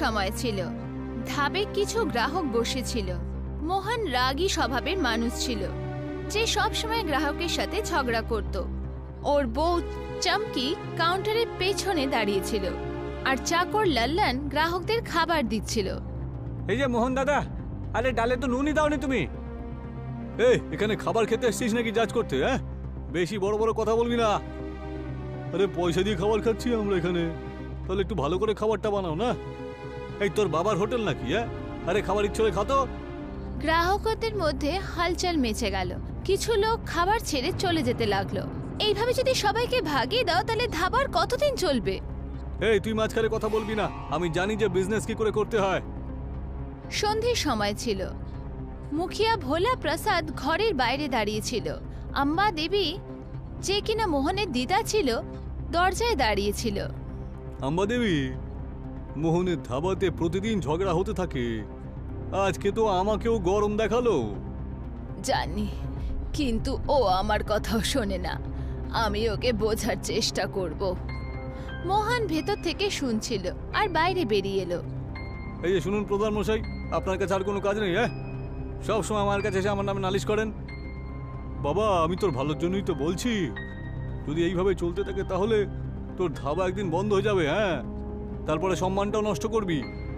সময় ছিল। ধাবে কিছু গ্রাহক বসেছিল। মোহন রাগী স্বভাবের মানুষ ছিল, যে সব সময় গ্রাহকের সাথে ঝগড়া করত। ওর বউ চমকি কাউন্টারের পেছনে দাঁড়িয়েছিল, আর চাকর লল্লন গ্রাহকদের খাবার দিচ্ছিল। এই যে মোহন দাদা, আরে ডালে তো নুনই দাওনি তুমি। এখানে খাবার খেতে এসেছিস নাকি জাজ করতে? হ্যাঁ, বেশি বড় বড় কথা বলবি না। আরে পয়সা দিয়ে খাবার খাচ্ছি আমরা এখানে, তাহলে একটু ভালো করে খাবারটা বানাও না। এই তোর বাবার হোটেল নাকি? হ্যাঁ, আরে খাবার ইচ্ছে হলে খাতো। গ্রাহকদের মধ্যে হালচাল মেচে গেল। কিছু লোক খাবার ছেড়ে চলে যেতে লাগলো। এইভাবে যদি সবাইকে ভাগিয়ে দাও তাহলে ধাবার কতদিন চলবে? এই তুই মাঝখানে কথা বলবি না, আমি জানি যে বিজনেস কি করে করতে হয়। সন্ধ্যের সময় ছিল। মুখিয়া ভোলা প্রসাদ ঘরের বাইরে দাঁড়িয়েছিল। আম্বা দেবী, যে কিনা মোহনের দিদা ছিল, দরজায় দাঁড়িয়েছিল। আম্বা দেবী, মোহনের ধাবাতে প্রতিদিন ঝগড়া হতে থাকে, আজকে তো আমাকেও গরম দেখালো। জানি, কিন্তু ও আমার কথাও শোনে না। আমি ওকে বোঝার চেষ্টা করব। মোহন ভেতর থেকে শুনছিল আর বাইরে বেরিয়ে এলো। এই যে শুনুন প্রধান মশাই, আপনার কাছে আর কোনো কাজ নেই? হ্যাঁ, সব সময় আমার কাছে এসে আমার নামে নালিশ করেন। বাবা, আমি তোর ভালোর জন্যই তো বলছি, যদি এইভাবে চলতে থাকে তাহলে তোর ধাবা একদিন বন্ধ হয়ে যাবে। হ্যাঁ, তারপরে সম্মানটাও নষ্ট করবি।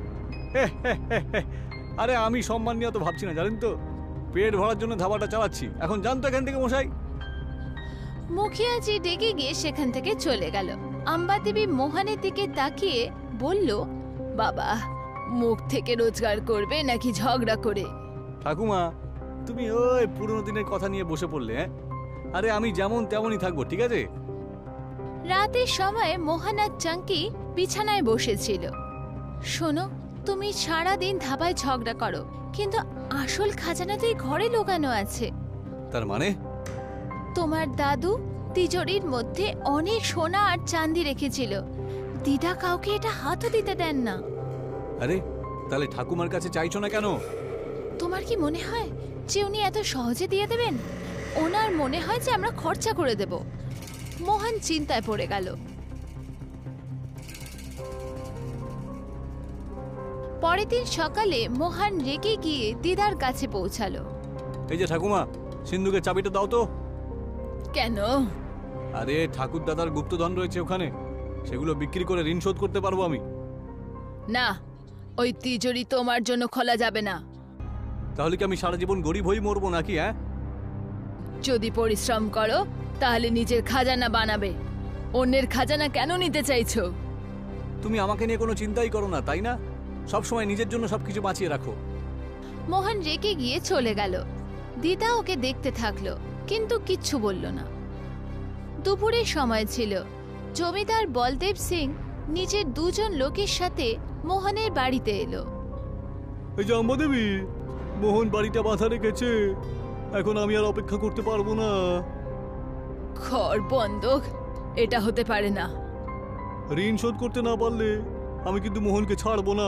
আরে আমি সম্মান নিয়ে তো ভাবছি না, জানেন তো, পেট ভরার জন্য ধাবাটা চালাচ্ছি। এখন জান তো এখান থেকে মশাই। মুখিয়াজি ডেকে গিয়ে সেখান থেকে চলে গেল। আম্বা দেবী মোহনের দিকে তাকিয়ে বলল, বাবা, মুখ থেকে রোজগার করবে নাকি ঝগড়া করে? ঠাকুমা, তুমি ওই পুরনো দিনের কথা নিয়ে বসে পড়লে। হ্যাঁ, আরে আমি যেমন তেমনই থাকবো, ঠিক আছে? রাতের সময় মোহন আর চাঙ্কি বিছানায় বসেছিল। শোনো, তুমি সারাদিন ধাবায় ঝগড়া করো, কিন্তু আসল খাজানা তো এই ঘরে লুকানো আছে। তার মানে? তোমার দাদু তিজোরির মধ্যে অনেক সোনা আর চাঁদি রেখেছিল। দিদা কাউকে এটা হাতও দিতে দেন না। আরে তাহলে ঠাকুমার কাছে চাইছো না কেন? তোমার কি মনে হয় যে উনি এত সহজে দিয়ে দেবেন? ওনার মনে হয় যে আমরা খরচা করে দেব। মোহন চিন্তায় পড়ে গেল। পরের দিন সকালে মোহন রেগে গিয়ে দিদার কাছে পৌঁছালো। এই যে ঠাকুমা, সিন্ধুকের চাবিটা দাও তো। কেন? আরে ঠাকুর দাদার গুপ্তধন রয়েছে ওখানে, সেগুলো বিক্রি করে ঋণ শোধ করতে পারবো আমি। না, ওই তিজোরি তোমার জন্য খোলা যাবে না। তাহলে কি আমি সারা জীবন গরিব হয়ে মরবো নাকি? হ্যাঁ, যদি পরিশ্রম করো তাহলে নিজের খাজানা বানাবে। অন্যের খাজানা কেন নিতে চাইছো? তুমি আমাকে নিয়ে কোনো চিন্তাই করো না, তাই না? সব সময় নিজের জন্য সবকিছু বাঁচিয়ে রাখো। মোহন রেগে গিয়ে চলে গেল। দিদা ওকে দেখতে থাকলো, কিন্তু কিচ্ছু বলল না। দুপুরের সময় ছিল। জমিদার বলদেব সিং নিজের দুজন লোকের সাথে মোহনের বাড়িতে এলো। এই যে আম্বা দেবী, মোহন বাড়িটা বাঁধা রেখেছে, এখন আমি আর অপেক্ষা করতে পারবো না। ঘর বন্ধক? এটা হতে পারে না। ঋণ শোধ করতে না পারলে আমি কিন্তু মোহনকে ছাড়বো না।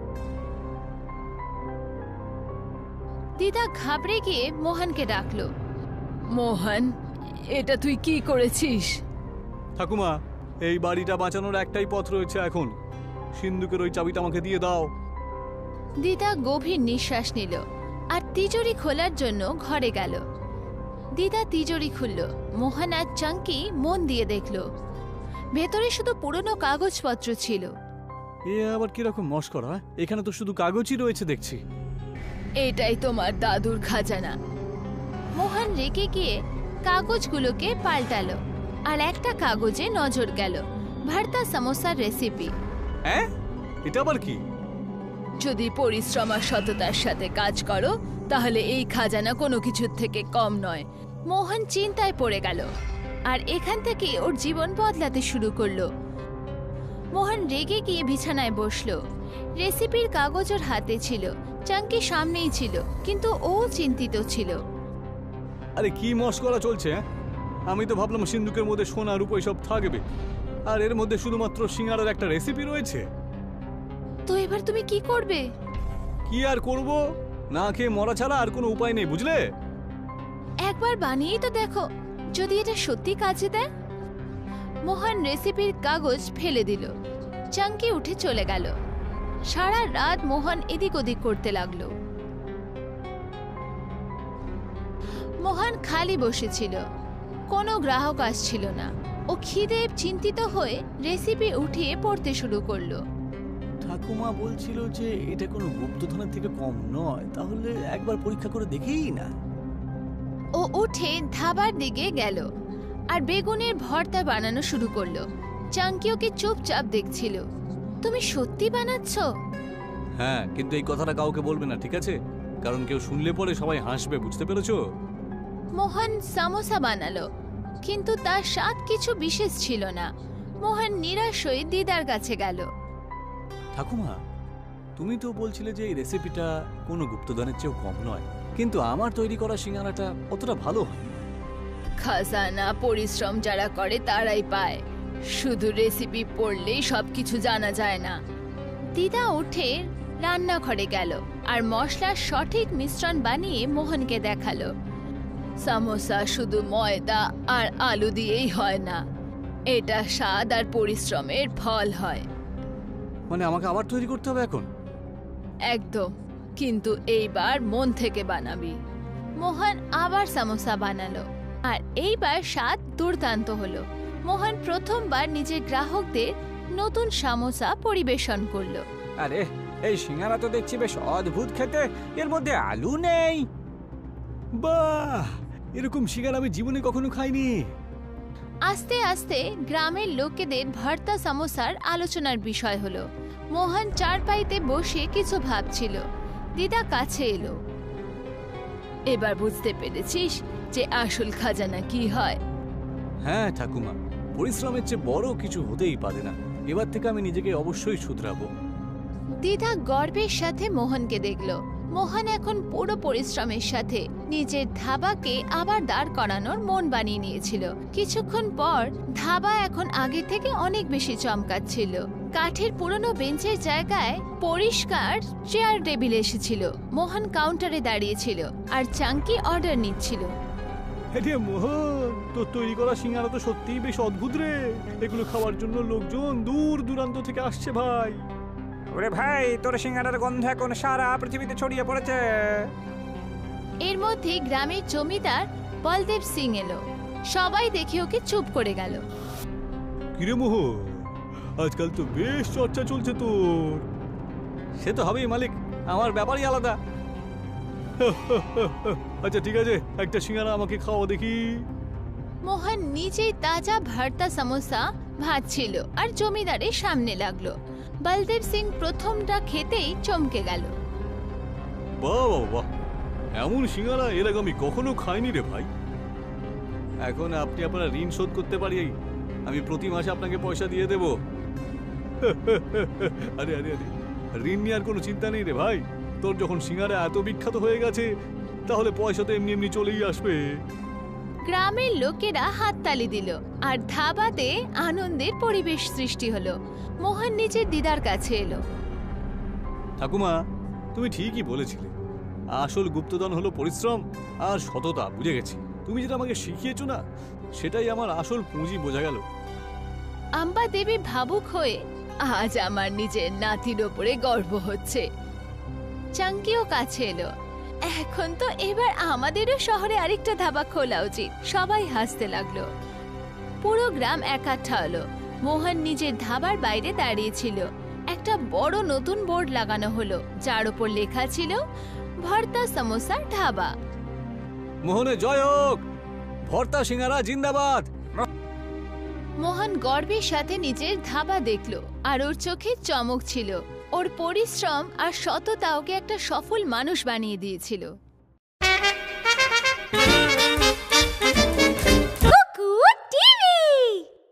দিদা ঘাবড়ে গিয়ে মোহনকে ডাকলো। মোহন, এটা তুই কি করেছিস? ঠাকুমা, এই বাড়িটা বাঁচানোর একটাই পথ রয়েছে এখন। সিন্ধুকের ওই চাবিটা আমাকে দিয়ে দাও। দিদা গভীর নিঃশ্বাস নিল আর তিজোরি খোলার জন্য ঘরে গেল। দিদা তিজোরি খুলল। মোহন আর চাঙ্কি মন দিয়ে দেখল। ভেতরে শুধু পুরনো কাগজপত্র ছিল। এ আবার কিরকম মস্করা? এখানে তো শুধু কাগজই রয়েছে দেখছি। এটাই তোমার দাদুর খাজানা। মোহন রেগে গিয়ে কাগজগুলোকে পাল্টালো, আর একটা কাগজে নজর গেল, ভর্তা সমোসার রেসিপি। হ্যাঁ, এটা আবার কি? যদি পরিশ্রম আর সততার সাথে কাজ করো তাহলে এই খাজানা কোনো কিছুর থেকে কম নয়। মোহন চিন্তায় পড়ে গেল, আর এখান থেকে ওর জীবন বদলাতে শুরু করলো। মোহন রেগে গিয়ে বিছানায় বসলো। রেসিপির কাগজ ওর হাতে ছিল, চাঙ্কি সামনেই ছিল, কিন্তু ও চিন্তিত ছিল। আরে কি মস্করা চলছে? আমি তো ভাবলাম সিন্ধুকের মধ্যে সোনা রূপো সব থাকবে, আর এর মধ্যে শুধুমাত্র সিঙ্গারার একটা রেসিপি রয়েছে। তো এবার তুমি কি করবে? কি আর করব, না খেয়ে মরা ছাড়া আর কোনো উপায় নেই, বুঝলে? একবার বানিয়েই তো দেখো, যদি এটা সত্যি কাজে দেয়। মোহন রেসিপির কাগজ ফেলে দিল। চাঙ্কি উঠে চলে গেল। সারা রাত মোহন এদিক ওদিক করতে লাগলো। মোহন খালি বসেছিল, কোনো গ্রাহক আসছিল না। ও খিদে চিন্তিত হয়ে রেসিপি উঠিয়ে পড়তে শুরু করলো। ঠাকুমা বলছিল যে এটা কোনো গুপ্তধনের থেকে কম নয়, তাহলে একবার পরীক্ষা করে দেখেই না। ও উঠে ধাবার দিকে গেল আর বেগুনের ভর্তা বানানো শুরু করলো। চাঙ্কি ওকে চুপচাপ দেখছিল। তুমি সত্যি বানাচ্ছ? হ্যাঁ, কিন্তু এই কথাটা কাউকে বলবে না, ঠিক আছে? কারণ কেউ শুনলে পরে সবাই হাসবে, বুঝতে পেরেছো? মোহন সামোসা বানালো, কিন্তু তার স্বাদ কিছু বিশেষ ছিল না। মোহন নিরাশ হয়ে দিদার কাছে গেল। ঠাকুমা, তুমি তো বলছিলে যে এই রেসিপিটা কোনো গুপ্তধনের চেয়েও কম নয়, কিন্তু আমার তৈরি করা সিঙ্গারাটা অতটা ভালো হয়। খাজানা পরিশ্রম যারা করে তারাই পায়, শুধু রেসিপি পড়লেই সবকিছু জানা যায় না। দিদা উঠে রান্নাঘরে গেল আর মশলার সঠিক মিশ্রণ বানিয়ে মোহনকে দেখালো। সামোসা শুধু ময়দা আর আলু দিয়েই হয় না, এটা স্বাদ আর পরিশ্রমের ফল হয়। মানে আমাকে আবার তৈরি করতে হবে এখন? একদম, কিন্তু এইবার মন থেকে বানাবি। মোহন আবার সামোসা বানালো আর এইবার স্বাদ দুর্দান্ত হলো। মোহন প্রথমবার নিজের গ্রাহকদের নতুন সামোসা পরিবেশন করলো। আরে, এই সিঙ্গারা তো দেখছি বেশ অদ্ভুত খেতে, এর মধ্যে আলু নেই। বাহ, এরকম সিঙ্গারা আমি জীবনে কখনো খাইনি। আস্তে আস্তে গ্রামের লোকেদের ভর্তা সামোসার আলোচনার বিষয় হলো। মোহন চারপাইতে বসে কিছু ভাবছিল। দিদা কাছে এলো। এবার বুঝতে পেরেছিস যে আসল খাজানা কি হয়? হ্যাঁ ঠাকুমা, পরিশ্রমের চেয়ে বড় কিছু হতেই পারে না। এবার থেকে আমি নিজেকে অবশ্যই শুধরাবো। দিদা গর্বের সাথে মোহনকে দেখল। মোহন এখন পুরো পরিশ্রমের সাথে নিজের ধাবাকে আবার দাঁড় করানোর মন বানিয়ে নিয়েছিল। কিছুক্ষণ পর ধাবা এখন আগের থেকে অনেক বেশি চমকাচ্ছিল। কাঠের পুরনো বেঞ্চের জায়গায় পরিষ্কার চেয়ার টেবিল এসেছিল। মোহন কাউন্টারে দাঁড়িয়েছিল আর চাঙ্কি অর্ডার নিচ্ছিল। আরে মোহন, তোর তৈরি করা সিঙ্গারা তো সত্যিই বেশ অদ্ভুত রে। এগুলো খাওয়ার জন্য লোকজন দূর দূরান্ত থেকে আসছে ভাই। ওরে ভাই, তোর সিঙ্গারার গন্ধ এখন সারা পৃথিবীতে ছড়িয়ে পড়েছে। এর মধ্যে গ্রামের জমিদার বলদেব সিং এলো। সবাই দেখে ওকে চুপ করে গেল। কিরে মোহন, আজকাল তো বেশ চর্চা চলছে তোর। সে তো হবেই মালিক, আমার ব্যাপারই আলাদা। আচ্ছা ঠিক আছে, একটা সিঙ্গারা আমাকে খাওয়া দেখি। মোহন নিজেই তাজা ভর্তা সমোসা ভাজছিল আর জমিদারের সামনে লাগলো। বলদেব সিং প্রথমটা খেতেই চমকে গেল। বাহ বাহ বাহ, এমন সিঙ্গারা এর আগে আমি কখনো খাইনি রে ভাই। এখন আপনি আপনার ঋণ শোধ করতে পারি, আমি প্রতি মাসে আপনাকে পয়সা দিয়ে দেব। আরে আরে আরে, ঋণ নিয়ে আর কোনো চিন্তা নেই রে ভাই। তোর যখন সিঙ্গারা এত বিখ্যাত হয়ে গেছে, তাহলে পয়সা তো এমনি এমনি চলেই আসবে। গ্রামের লোকেরা হাততালি দিল আর ধাবাতে আনন্দের পরিবেশ সৃষ্টি হলো। মোহন নিজের দিদার কাছে এলো। ঠাকুমা, তুমি ঠিকই বলেছিলে, আসল গুপ্তধন হলো পরিশ্রম আর সততা। বুঝে গেছি, তুমি যেটা আমাকে শিখিয়েছো না, সেটাই আমার আসল পুঁজি। বোঝা গেল। আম্বা দেবী ভাবুক হয়ে, আজ আমার নিজের নাতির ওপরে গর্ব হচ্ছে। চাঙ্কিও কাছে এলো। এখন তো এবার আমাদেরও শহরে আরেকটা ধাবা খোলা উচিত। সবাই হাসতে লাগলো। পুরো গ্রাম একাঠা হলো। মোহন নিজের ধাবার বাইরে দাঁড়িয়েছিল। একটা বড় নতুন বোর্ড লাগানো হলো, যার উপর লেখা ছিল ভর্তা সমোসা ধাবা। মোহনে জয় হোক, ভর্তা সিঙ্গারা জিন্দাবাদ। মোহন গর্বের সাথে নিজের ধাবা দেখলো আর ওর চোখে চমক ছিল। ওর পরিশ্রম আর সততা ওকে একটা সফল মানুষ বানিয়ে দিয়েছিল।